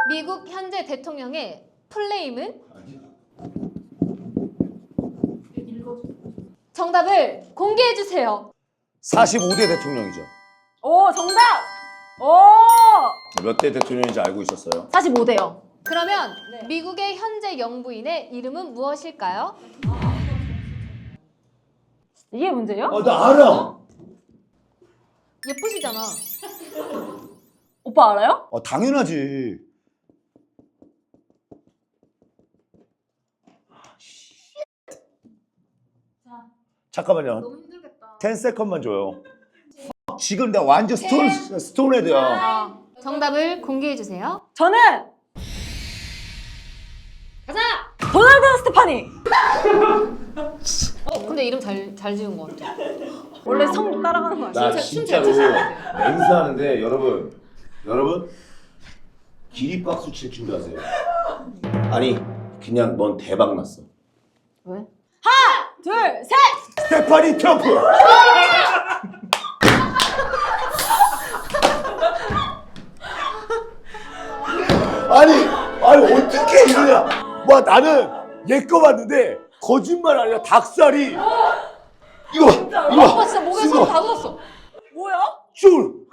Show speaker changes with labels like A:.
A: 미국 현재 대통령의 플레임은? 정답을 공개해주세요.
B: 45대 대통령이죠.
C: 오, 정답! 오!
B: 몇 대 대통령인지 알고 있었어요?
C: 45대요.
A: 그러면
C: 네.
A: 미국의 현재 영부인의 이름은 무엇일까요?
C: 이게 문제예요?
B: 나 알아.
A: 예쁘시잖아.
C: 오빠 알아요?
B: 당연하지. 잠깐만요.
A: 너무 힘들겠다.
B: 10세컨만 줘요. 지금 나 완전 스톤헤드야.
A: 정답을 공개해주세요.
C: 저는
A: 가자!
C: 도널드 스테파니!
A: 근데 이름 잘 지은 것 같아.
C: 원래 성 따라가는 거 아시죠?
B: 나 진짜로 맹세하는데 여러분 기립박수 칠 준비하세요. 아니 그냥 넌 대박 났어.
C: 왜? 둘, 셋!
B: 스테파니 트럼프. 아니 어떻게 이러냐? 와 나는 얘 거 봤는데 거짓말 아니라 닭살이 이거
A: 오빠 진짜 목에 손 다 묻었어.
C: 뭐야?
B: 줄